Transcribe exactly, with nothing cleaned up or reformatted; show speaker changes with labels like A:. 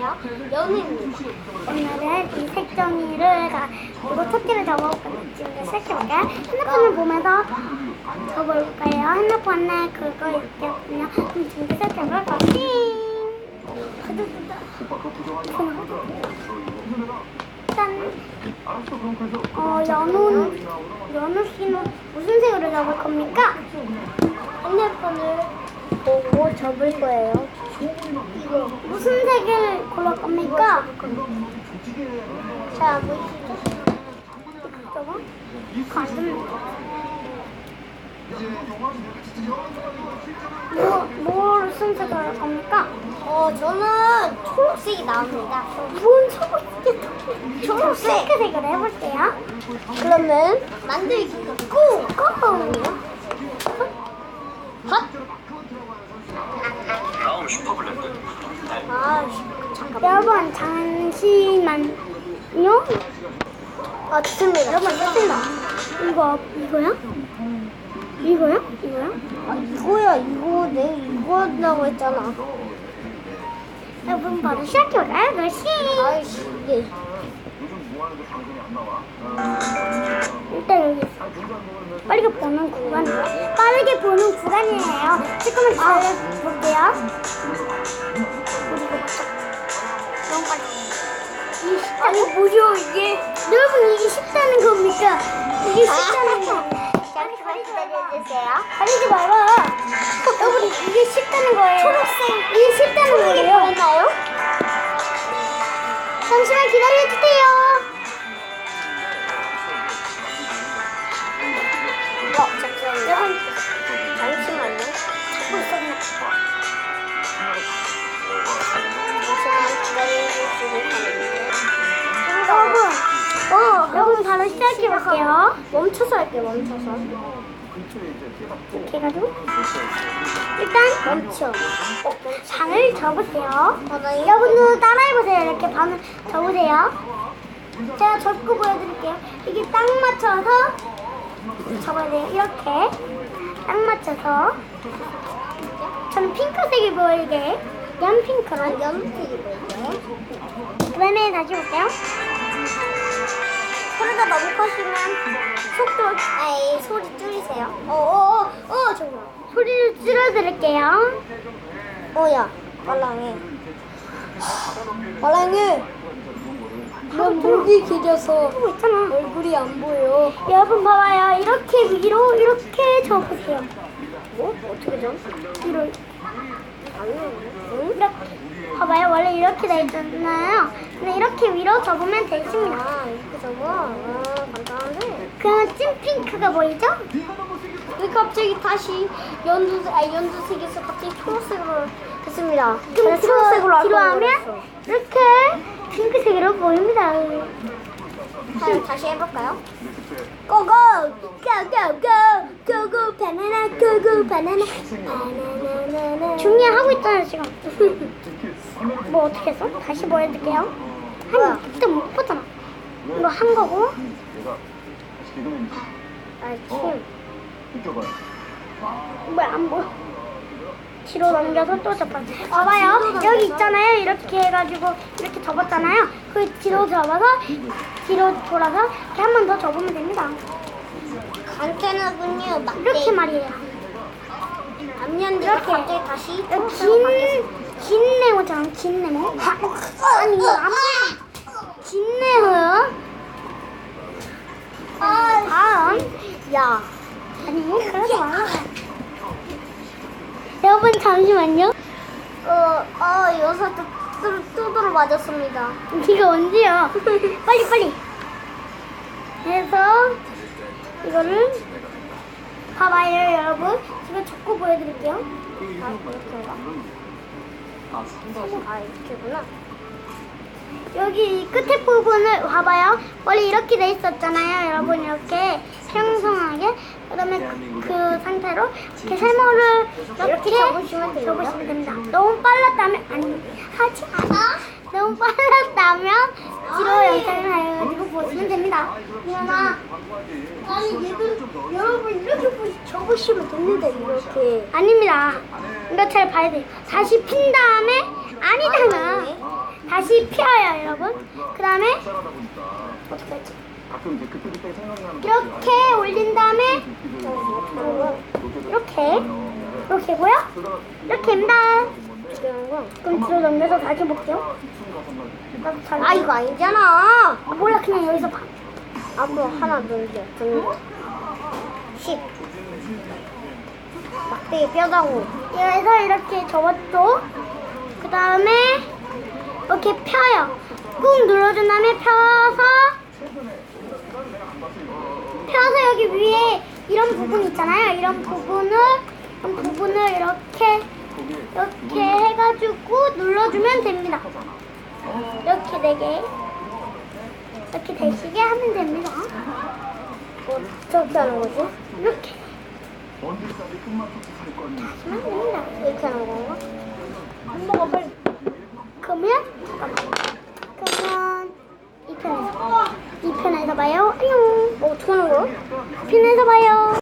A: 있어요. 연우입니다.
B: 오늘은 이 색종이를 가, 그리고 토끼를 접어볼까요? 지금 시작해볼까요? 핸드폰을 보면서 접어볼까요? 핸드폰에 그거 있겠군요. 그럼 지금 시작해볼까요? 띵! 짠! 어, 연우, 연우 씨는 무슨 색으로 접을 겁니까?
A: 핸드폰을 보고 접을 거예요.
B: 무슨 색을 고를 겁니까?
A: 잘 안 보이시죠?
B: 저거? 그거 안 됩니다. 뭐, 뭐 무슨 색을 할 겁니까?
A: 어, 저는 초록색이 나옵니다.
B: 뭔 초록색? 초록색 색을 해볼게요.
A: 그러면 만들기 고!
B: 고!
A: 헛!
C: 다음 슈퍼블렌드.
A: 아, 잠깐만.
B: 여러분 잠시만요.
A: 아, 좋습니다.
B: 여러분 됐습니다. 이거 이거야? 이거야? 이거야?
A: 아, 이거야, 이거. 내가 이거 한다고 했잖아.
B: 여러분 바로 시작해볼까요? 그렇지.
A: 아이씨, 이게.
B: 일단 여기 있어. 빠르게 보는 구간. 빠르게 보는 구간이에요. 조금만 기다려볼게요. 그리고 맞춰. 너무 빨리. 이게 쉽다. 아니 뭐죠 이게? 여러분 이게 쉽다는 겁니까? 이게 쉽다는 거.
A: 잠시만 기다려주세요.
B: 가리지 말아. 여러분 이게 쉽다는 거예요.
A: 초록색.
B: 이게 쉽다는
A: 초록이
B: 거예요.
A: 보이나요?
B: 잠시만 기다려주세요.
A: 어, 잠시만요.
B: 여러분
A: 잠시만요.
B: 찾고 있었나?
A: 잠시만 기다려주시면 됩니다.
B: 여러분, 어, 여러분 바로 시작해볼게요.
A: 멈춰서 할게요, 멈춰서.
B: 이렇게 해가지고 일단
A: 멈춰.
B: 반을 접으세요.
A: 바닥에
B: 여러분도 따라해보세요. 이렇게 반을 접으세요. 제가 접고 보여드릴게요. 이게 딱 맞춰서 접어야 돼요. 이렇게 딱 맞춰서 저는 핑크색이 보이게 연핑크로
A: 연필이 보이죠?
B: 그 다음에 다시 볼게요.
A: 소리가 너무 커지면 속도, 아이, 소리 줄이세요. 어어어, 어, 정말.
B: 소리를 줄여드릴게요.
A: 어야, 말랑해. 말랑해. 넌 목이 길어서
B: 하고 있잖아.
A: 얼굴이 안 보여.
B: 여러분 봐봐요. 이렇게 위로 이렇게 접으세요.
A: 뭐? 어떻게 좀?
B: 위로
A: 응?
B: 이렇게 봐봐요. 원래 이렇게 돼 있잖아요. 근데 이렇게 위로 접으면 되십니다.
A: 아, 이렇게 접어? 아, 간단한데?
B: 그러면 찐핑크가 보이죠?
A: 왜 갑자기 다시 연두색, 아, 연두색에서 갑자기 초록색으로 됐습니다.
B: 그럼
A: 내가 초록색으로 할
B: 뒤로
A: 거라고
B: 하면
A: 그랬어.
B: 이렇게 핑크색으로 보입니다.
A: 자, 다시 해볼까요?
B: 고고! 고고고! 고고 바나나 고고 바나나 바나나나나 중에 하고 있잖아요 지금. 뭐 어떻게 했어? 다시 보여드릴게요.
A: 뭐야?
B: 한 그때 못 봤잖아. 이거 한 거고
A: 아, 침.
B: 뭐야 안 보여. 뒤로 넘겨서 또 접어. 봐봐요. 여기 있잖아요. 이렇게 해가지고 이렇게 접었잖아요. 그 뒤로 접어서 뒤로 돌아서 이렇게 한 번 더 접으면 됩니다.
A: 간단하군요. 맞대.
B: 이렇게 말이에요.
A: 앞면대가
B: 이렇게.
A: 갑자기 다시
B: 긴,
A: 초록색으로 바뀌었습니다.
B: 긴 네모처럼 긴 네모. 아니 이거 안 보여. 긴 네모요. 다음.
A: 야,
B: 아니 그러지 말라. 여러분 잠시만요.
A: 어, 어, 여기서 또 뚜- 뚜드러 맞았습니다.
B: 이거 언제요? 빨리 빨리. 해서 이거를 봐봐요 여러분. 제가 접고 보여드릴게요.
A: 아, 이렇게인가? 아, 이렇게구나.
B: 여기 끝에 부분을 봐봐요. 원래 이렇게 돼 있었잖아요. 여러분 이렇게 평평하게. 그다음에 그, 그 상태로 이렇게 세모를 이렇게
A: 접으시면 돼요.
B: 접으시면 됩니다. 너무 빨랐다면 아니 하지 않아. 너무 빨랐다면 뒤로 영상을 해가지고 보시면 됩니다.
A: 누나, 아니 얘들 여러분 이렇게 보시, 접으시면 됩니다. 이렇게.
B: 아닙니다. 이거 잘 봐야 돼요. 다시 핀 다음에 아니잖아. 다시 여기 펴요, 여러분. 그 다음에 어떻게 하지? 이렇게 올린 다음에 이렇게 이렇게고요. 이렇게입니다. 그럼 뒤로 넘겨서 다시 볼게요. 나도 잘
A: 아 이거 아니잖아.
B: 몰라, 그냥 여기서 봐.
A: 앞으로 하나 둘셋 십 막대기 뼈다구.
B: 그래서 이렇게 접었죠. 그 다음에 이렇게 펴요. 꾹 눌러준 다음에 펴서 펴서 여기 위에 이런 부분 있잖아요. 이런 부분을 이런 부분을 이렇게 이렇게 해가지고 눌러주면 됩니다. 이렇게 되게 이렇게 되시게 하면 됩니다.
A: 어떻게 하는 거지?
B: 이렇게
A: 하시면 됩니다. 이렇게 하는 건가? 한번가 빨리.
B: 그러면 잠깐만. 그러면 이 편에서 이 편에서 봐요. 안녕.
A: 어, 어떻게 하는 거야?
B: 이 편에서 봐요.